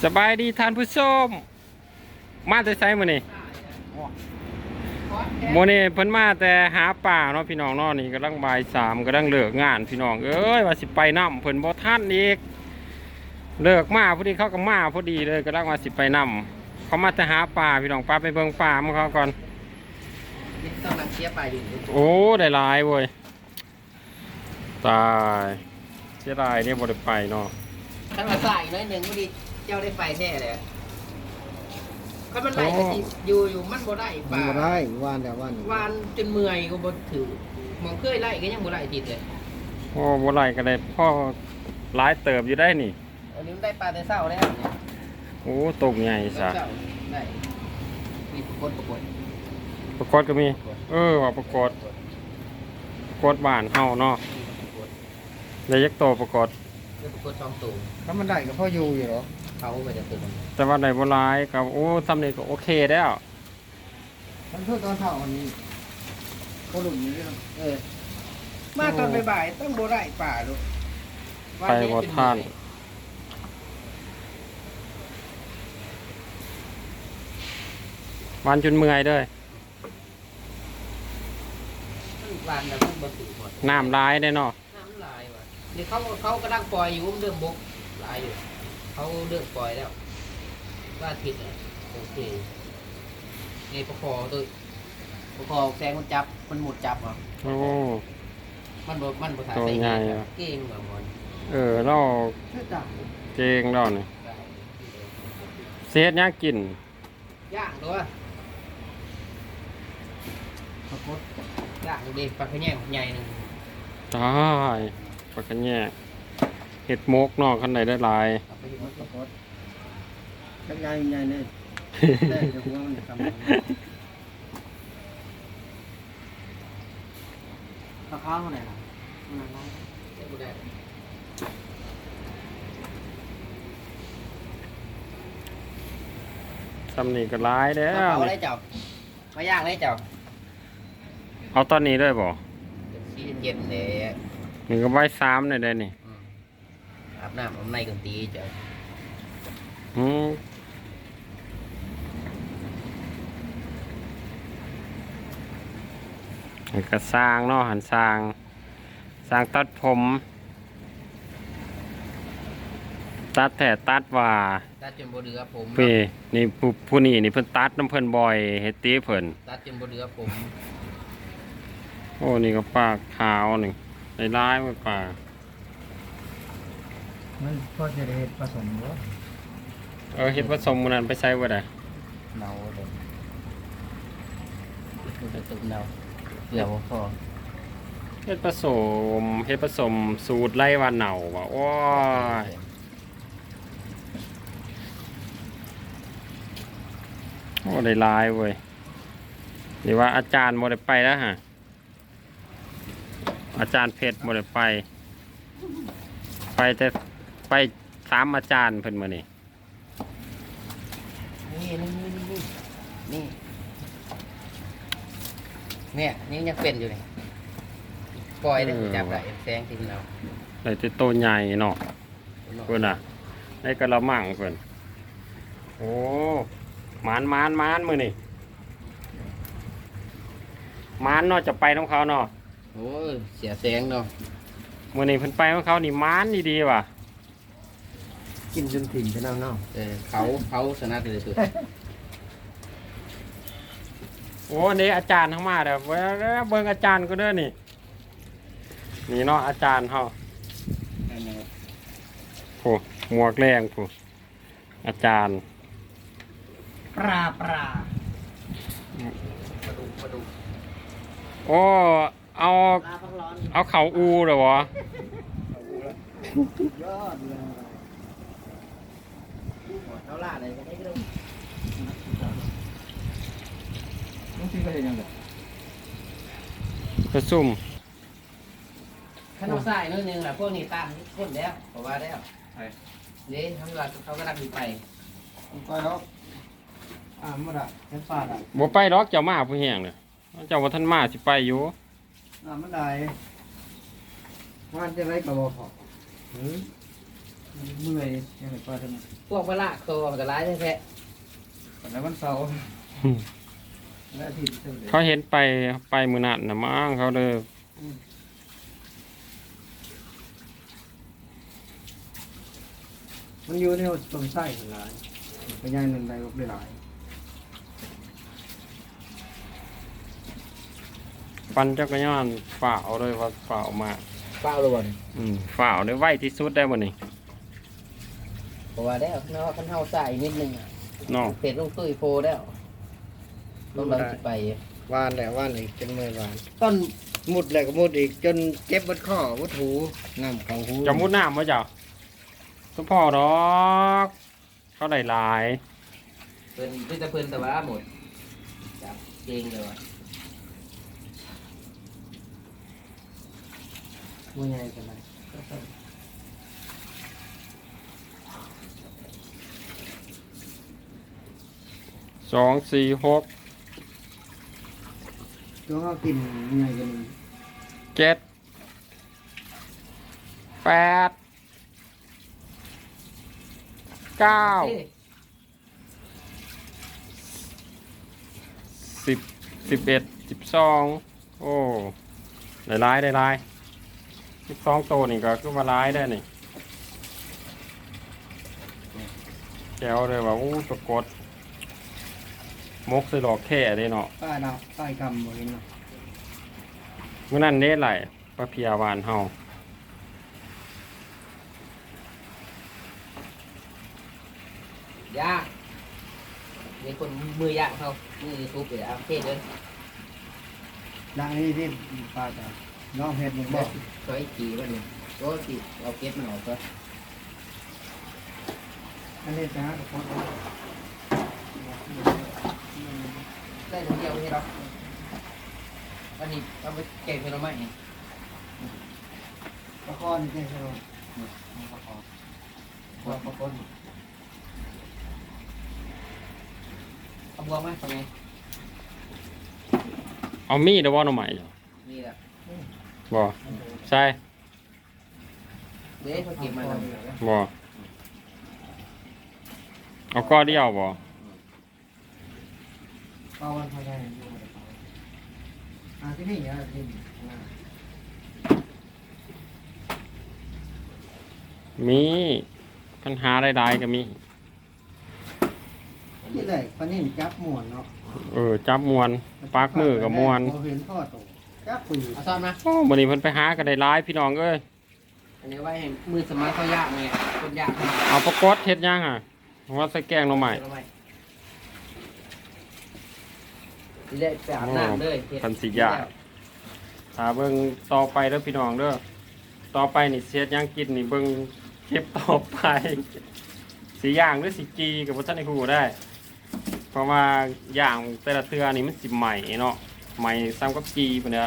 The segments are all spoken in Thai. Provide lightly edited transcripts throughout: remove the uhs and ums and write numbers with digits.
สบายดีท่านผู้ชมมาแต่ไสมื้อนี้มื้อนี้เพิ่นมาแต่หาป่าเนาะพี่น้องเนาะนี่กำลังบ่ายสามกำลังเลิกงานพี่น้องเอ้ยว่าสิไปนํเพิ่นบ่ทันอีกเลิกมาพอดีเขาก็มาพอดีเลยกำลังว่าสิไปนํเขามาแต่หาป่าพี่น้องป้าไปเบิ่งป่าของเขาก่อนต้องนักเชียร์ไปอยู่โอ้ได้หลายเว้ยตายเสียดายเนี่ยบ่ได้ไปเนาะถ้ามาใส่น้อยหนึ่งก็ดีเจ้าได้ไปแท้เลยถ้ามันไหลก็สิอยู่มันบ่ได้ป่าบ่ได้วานแต่วานจนเมื่อยก็บ่ถือมองเคยไล่ก็ยังบ่ไล่ติดเลยโอ้บ่ไล่ก็ได้พ่อหลายเติบอยู่ได้นี่อันนี้มันได้ปลาแต่เช้าแล้วเนี่ยโอ้ตกใหญ่ซะได้มีปรากฏก็มีว่าปรากฏบ้านเฮาเนาะได้ยักโตปรากฏ 2ตัวถ้ามันได้ก็พ่ออยู่หรอเขาไปจะตื่นแต่ว่าได้บ่หลายก็โอ้ซ้ำนี่ก็โอเคแล้วมันเพิ่งตอนเช้าวันนี้ก็หลุมนี้มาตอนบ่ายๆต้องบ่ได้ป่าลูกไปบ่ทันวันจนเมื่อยเด้อวันแต่มันบ่ถือหมดน้ำลายได้เนาะน้ำลายว่ะเดี๋ยวเขากำลังปล่อยอยู่เรื่องบกลายอยู่เขาเรื่องปล่อยแล้วว่าผิดเลยโอเคนี่ประคอตัวประคอแซงมันจับมันหมดจับอ่ะโอ้มันบ่ถ่ายใส่ใหญ่เก่งแบบมันเราเก่งเราเนี่ยเสียดยากกินย่างตัวย่างดีปลาขะแยงใหญ่หนึ่งตายปลาขะแยงเห็ดมกเนาะคันไหนได้หลายกันใหญ่เลยได้เดี๋ยวหัวมันทำข้าวไหนล่ะซ้ำนี่ก็ร้ายเด้อเอาได้เจ้ามาย่างได้เจ้าเอาตอนนี้ด้วยบ่เย็นเลยนี่ก็ใบ3เลยได้นี่อาบน้ำในกันตีเจ้าก็สร้างเนาะหันสร้างตัดผมตัดแต่ตัดว่าตัดจนบ่เหลือผมนี่ผู้นี่เพิ่นตัดน้ำเพิ่นบ่อยเฮ็ดตีเพิ่นตัดจนบ่เหลือผมโอ้นี่ก็ปลาขาวนี่ได้ร้ายมันปลามันพอจะได้เฮ็ดผสมบ่เฮ็ดผสมมื้อนั้นไปใช้บ่ได้เนาเลยผสมเนาเดี๋ยวพอเฮ็ดผสมสูตรไล่วันเหนาว่ะโอ้ยโอ้ได้ลายเว้ยหรือว่าอาจารย์โมได้ไปแล้วฮะอาจารย์เพชรโมได้ไปแต่ไป3อาจารย์เพิ่นมานี่นี่ยังเป็นอยู่เลยปล่อยได้จับได้แซงทิ้งเราได้แต่โตใหญ่เนาะเพิ่นน่ะได้กระมังเพิ่นโอ้มานมื้อนี่มานเนาะจะไปน้องเขาเนาะโอ้ยเสียแสงเนาะมื้อนี้เพิ่นไปของเขานี่มานดีๆว่ะกินจนถิ่นไปเนาะเขาชนะเลยสุดโอ้นี่อาจารย์ทั้งมาเด้อเบิ่งอาจารย์ก็เด้อนี่เนาะอาจารย์เฮาโอ้หมวกแรงผู้อาจารย์ปลาปลาดูโอ้เอาเข่าอูเหรอวะยอดเลยเขาล่าอะไรกันได้ก็ต้องซื้อไปเห็นยังไงกระซุ่มขนมใส่นิดนึงแหละพวกนี้ตามคนแล้วเพราะว่าแล้วนี่ทั้งหลักเขาก็รับไปก็แล้วมาละแค่ฟาดบ่ไปดอกเจ้ามาผู้แห้งเนี่ยเจ้าว่าท่านมาสิไปอยู่มันได้มันจะไรกับบ่พอเมื่อยยังไงปลาทำไมพวกปลาละตัวมันก็ร้ายแท้แล้ววันเสาร์และอาทิตย์เท่าเดิมเขาเห็นไปมือนัดนะมั้งเขาเด้อมันอยู่ในต้นไส้หลายไปย่างหนึ่งได้ก็ได้หลายปั่นจักรยานฝ่าวเลยว่าฝ่าวมากๆเปล่าเลยบ่นฝ่าวได้ไวที่สุดได้บ่นี่เพราะว่าแล้วเนาะคันเฮาใส่นิดนึงอ่ะน้องเผ็ดลงตุ้ยโพแล้วต้องเราสิไปวานแหละวานอีกจนเมื่อยวานต้นมุดแหละก็มุดอีกจนเจ็บบัดข้อวัดหูน้ำเขาหูจะมุดน้ำวะจ้ะทุกพ่อดอกเขาได้หลายเพิ่นคือจะเพิ่นแต่ว่าหมดจับเก่งเลยว่ะมือใหญ่กันเลย 2 4 6 ตัวเขากินมือใหญ่กัน 7 8 9 เอ้ย 10 11 12โอ้ได้หลาย12ตัวนี่ก็คือว่าหลายได้นี่แก้วเลยว่าอู้ตะกดมกใส่หลอกแค่ได้เนาะป้าดาวป้ายกำบ่เห็นเนาะมื่อนั้นเด้ไหลปลาเพียหวานเฮายากมีคนมือยากเขามือทุบไปเอาเทศเลยดังนี้ที่ป้าจะน้องเฮ็ดมึงบอกซอยจีว่าเนี่ยก็ติเอาเก็บมันออกก็อันนี้จะหากับคนได้ทั้งเดียวให้เราอันนี้เอาไปแกงเป็นเราไหมเนี่ยปลาคอนี่ใช่ไหมปลาคอปลาคอเอาบวงไหมทำไงเอามีดหรือว่าหน่อไม้จ้ะนี่แหละบ่ใช่เดี๋ยวเขาเก็บมาแล้วบ่เอาก้อเดียวบ่ปลาวันพายอยู่ในปลาที่นี่อ่ะที่มีปัญหาใดๆก็มีนี่แหละปลานิ่มจับหมวนเนาะจับมวนปักมือกับมวนเห็นพ่อโตจับปืนเอาซ่อนมาโอ้มื้อนี้เพิ่นไปหากันได้หลายพี่น้องเอ้ยอันนี้ไว้ให้มือสมัยเขายากไงคนยากขนาดเอาปลากดเฮ็ดยังอ่ะว่าใส่แกงหน่อไม้ที่ได้ไปอาบน้ำเลยคันสิยากถ้าเบิ่งต่อไปเด้อพี่น้องเด้อต่อไปนี่เสียดยังกินนี่เบิ่งคลิปต่อไปสิย่างหรือสิจีก็บ่ทันได้ฮู้ได้ เพราะว่าย่างแต่ละเทื่อนี่มันสิใหม่เนาะใหม่ซ้ำกับจีปานเนี้ย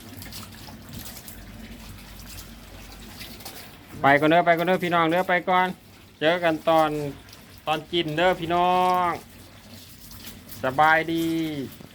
ไปก่อนเด้อพี่น้องเด้อไปก่อน เจอกันตอนกินเด้อพี่น้อง สบายดี